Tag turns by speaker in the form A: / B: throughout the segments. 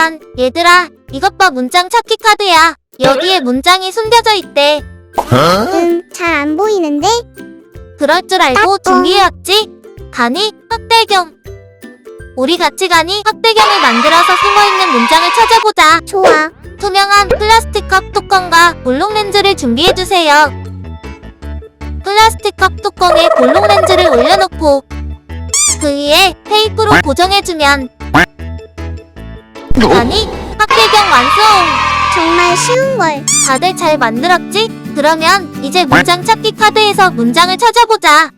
A: 잠깐, 얘들아, 이것 봐. 문장 찾기 카드야. 여기에 문장이 숨겨져 있대.
B: 잘 안 보이는데?
A: 그럴 줄 알고 준비해왔지? 가니, 확대경. 우리 같이 가니 확대경을 만들어서 숨어있는 문장을 찾아보자.
B: 좋아.
A: 투명한 플라스틱 컵 뚜껑과 볼록 렌즈를 준비해주세요. 플라스틱 컵 뚜껑에 볼록 렌즈를 올려놓고 그 위에 테이프로 고정해주면 아니, 확대경 완성!
B: 정말 쉬운걸.
A: 다들 잘 만들었지? 그러면 이제 문장 찾기 카드에서 문장을 찾아보자.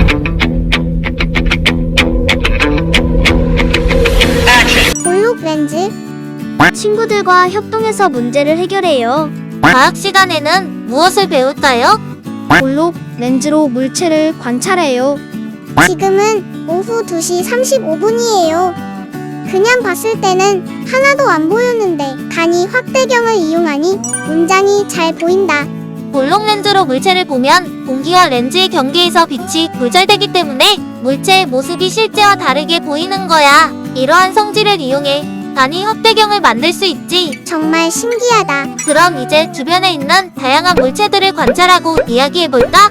B: 볼록 렌즈.
C: 친구들과 협동해서 문제를 해결해요.
A: 과학 시간에는 무엇을 배울까요?
C: 볼록 렌즈로 물체를 관찰해요.
B: 지금은 오후 2시 35분이에요. 그냥 봤을 때는 하나도 안 보였는데 간이 확대경을 이용하니 문장이 잘 보인다.
A: 볼록 렌즈로 물체를 보면 공기와 렌즈의 경계에서 빛이 굴절되기 때문에 물체의 모습이 실제와 다르게 보이는 거야. 이러한 성질을 이용해 간이 확대경을 만들 수 있지.
B: 정말 신기하다.
A: 그럼 이제 주변에 있는 다양한 물체들을 관찰하고 이야기해볼까?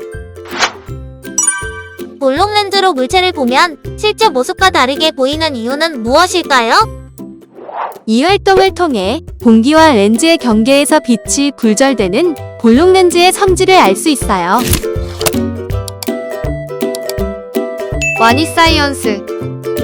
A: 볼록 렌즈로 물체를 보면 실제 모습과 다르게 보이는 이유는 무엇일까요?
D: 이 활동을 통해 공기와 렌즈의 경계에서 빛이 굴절되는 볼록 렌즈의 성질을 알 수 있어요.
C: 와니 사이언스